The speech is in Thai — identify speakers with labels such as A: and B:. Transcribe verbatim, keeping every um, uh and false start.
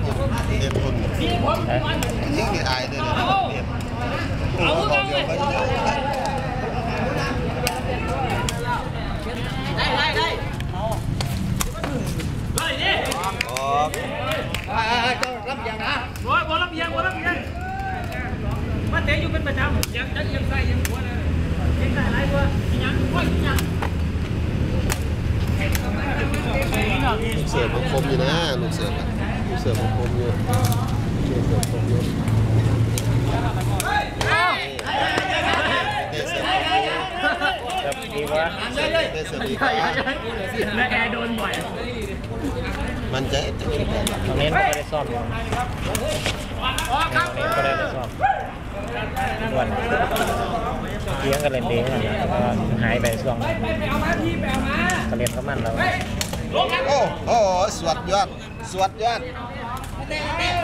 A: เด็ดคนยิ่งอายเลยนะเด็ดเอาเดียวไปได้ได้ได้ได้ดิโอ้ก็รับยังนะบอลบอลรับยังบอลรับยังมาเตะอยู่เป็นประจำยังยังยังใส่ยังหัวเลยยังใส่ไรตัวยังว่ายังลูกเสือมันคมอยู่นะลูกเสือลูกเสือมันคมอยู่ลูกเสือคมอยู่เตะเสือดีวะเตะเสือดีกว่า
B: และแอร์โดนบ่อย
A: มันจะจะคิดแบบ
C: ตรงนี้ไม่ได้ซ่อมอยู่ตรงนี้ก็ได้ซ่อมวันเลี้ยงกันเล่นดีกันนะแล้วก็หายไปช่วงก็เล่นก็มันแล้ว
A: โอ้โหสวดยอดสวดยอด